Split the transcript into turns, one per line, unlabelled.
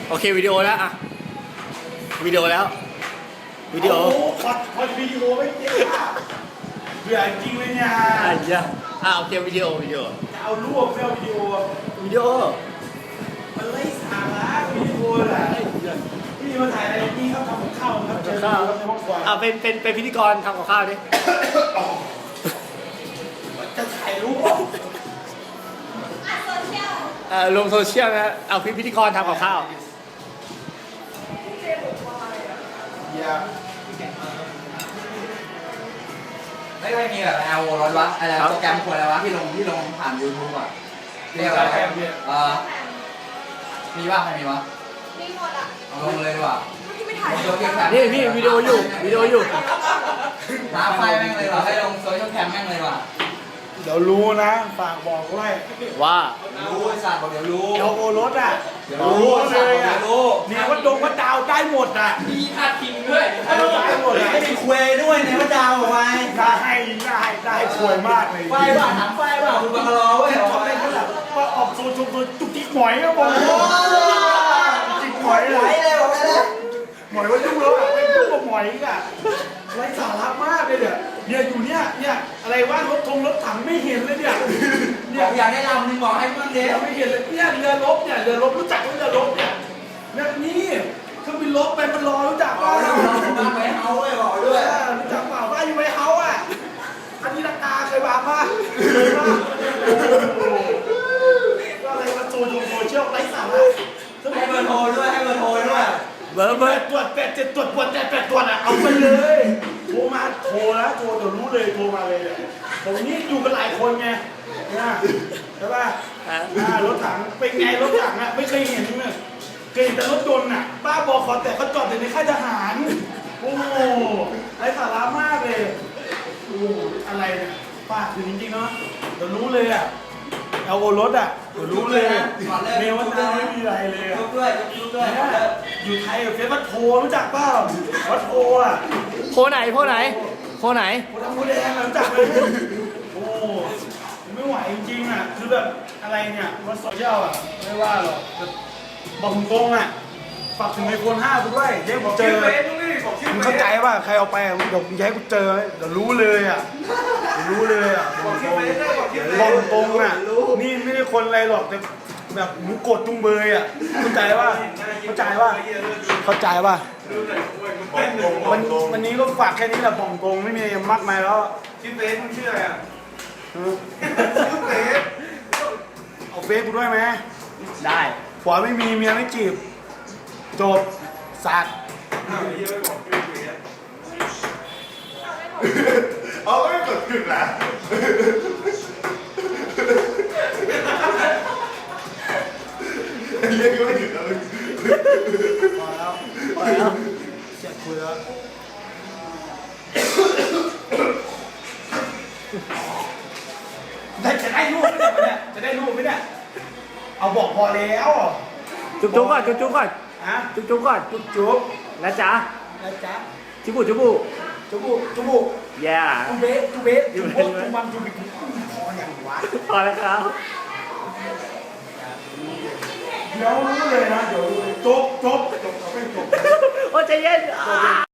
โอเควิดีโอแล้วอะวิดีโอแล้ววิดีโอ
ขอวิดีโอไม่เจ๊อ่ะเบื่อจริงเลยเนี่ย
โอเควิดีโอ
จะเอารูปไม่เอาวิดีโอมันไร้สาระวิดีโอแหละพี่มาถ่ายอะไรนี่ครับทำกับข้าวครับเจอข้าวในห้องครัว
เป็นพิธีกรทำกับข้าวดิ
จะถ่ายรูป
ลงโซเชียลนะเอาพิธีกรทำกับข้าว
ไม่ได้มีแบบแอลร้อนวะอะไรโปรแกรมควรอะไรวะที่ลงผ่าน YouTube อ่ะเรียกอะไรมีว่าใครมีวะมีหมดอ่ะเอาลงเลยดีกว่า
นี่พี่วิดีโออยู่
หาไฟแม่งเลยว่ะให้ลงโซเชียลแคมแม่งเลยว่ะ
เดี๋ยวรู้นะฝากบอกด้วย
ว่า
รู้ไอ้สัตว์บอกเดี๋ยวรู้
เดี๋ยวโอรสอ่ะ
เดี๋ยวรู้เลยอ่ะ
เนี่ยวัดดงวัดดาวได้หมดอ่ะ
มีพาดพิงด้วย
ได้หมดอ่ะ
ให้มีคุยด้วยในวัดดาวเอาไว้
ได้สวยมากเลย
ไฟบ้าถามไฟบ้าคุณบังรอเว้ย
ทำได้ขนาดว่าออกโซนจุกจิกหมอยก็บอกจิกหมอย
เลยบอกเลย
หมอยว่ายุ่งแล้วอ่ะไม่ยุ่งกับหมอยอีกอ่ะไร้สาระมากเลยเนี่ยอยู่เนี่ยอะไรว่ารถถังไม่เห็นเลยเนี่ย
อยากได้ลำนึงบอกให้เพื่อนเด็ก
ไม่เห็นเลยเนี่ยเรือรบรู้จักเรือรบเนี่ยนี่เครื่องบินรบไปมันรอรู้จักป่ะ
บ้านไว้เฮาเลยบอกด้วย
รู้จักเปล่าบ้านอยู่ไว้เฮาอ่ะอันนี้ราคาเคยมาป่ะอะไรมาโซเชียลไร้สาระ
ให้เบอร์โทรด้วย
เบอร์
ตรวจ8 7ตรวจ8 ตรวจอ่ะเอาไปเลยโทรเดี๋ยวรู้เลยโทรมาเลยผมนี่อยู่กันหลายคนไงใช่ป่ะรถถังเป็นไงรถถังอ่ะไม่เคยเห็นเลยเคยเห็นแต่รถยนต์อ่ะบ้าบอขอแต่เขาจอดในค่ายทหารโอ้ไร้สาระมากเลยอะไรเนี่ยป้าคือจริงๆเนาะเดี๋ยวรู้เลยอ่ะเอาโอรถอ่ะเดี๋ยวรู้เลยเมลวันดาวไม่มีอะไรเลยอ่ะอยู่ไทยกับเฟซวัดโพรู้จักเปล่าวัดโพอ่ะ
โพไหน
โพดำโพแดงรู้จักไหมโอ้ไม่ไหวจริงๆอ่ะคือแบบอะไรเนี่ยวัดโซเชียลอ่ะไม่ว่าหรอกบอกตรงอ่ะฝากถึงไอโฟน5กูด้วยเดี๋ยวผมเจอมึงเข้าใจป่ะใครเอาไปเดี๋ยวมึงย้ายกูเจอเดี๋ยวรู้เลยอ่ะบอกตรงอ่ะนี่ไม่ได้คนอะไรหรอกแต่แบบหมูกดจุงเบยอ่ะเข้าใจป่ะวันนี้ก็ฝากแค่นี้แหละบอกตรงไม่มีอะไรมากมายแล้ว
ชื่อเฟซมึงชื่ออะไรอ่ะชื่อเฟซ
เอาเฟซกูด้วยไหม
ได้
ผัวไม่มีเมียไม่จีบจบสัตว์
เอาไม่กดถึงแล้วเรียกไม่ถึงแล้ว
พอแล้วเจ็บคุยแล้วจะได้รูปไหมเนี่ยเอาบอกพอแล้ว
จุ๊บก่อนจุ๊บก่อน
ฮะ
จุ๊บก่อน
จุ๊บ
แล้วจ้าจุบุแย่
จุเบสจุบังจุบิพออย่างวะ
พอแล้วครับ
เดี๋ยวรู้เลยนะเดี๋ยวจบไม่จบ
โอ้ใจเย็น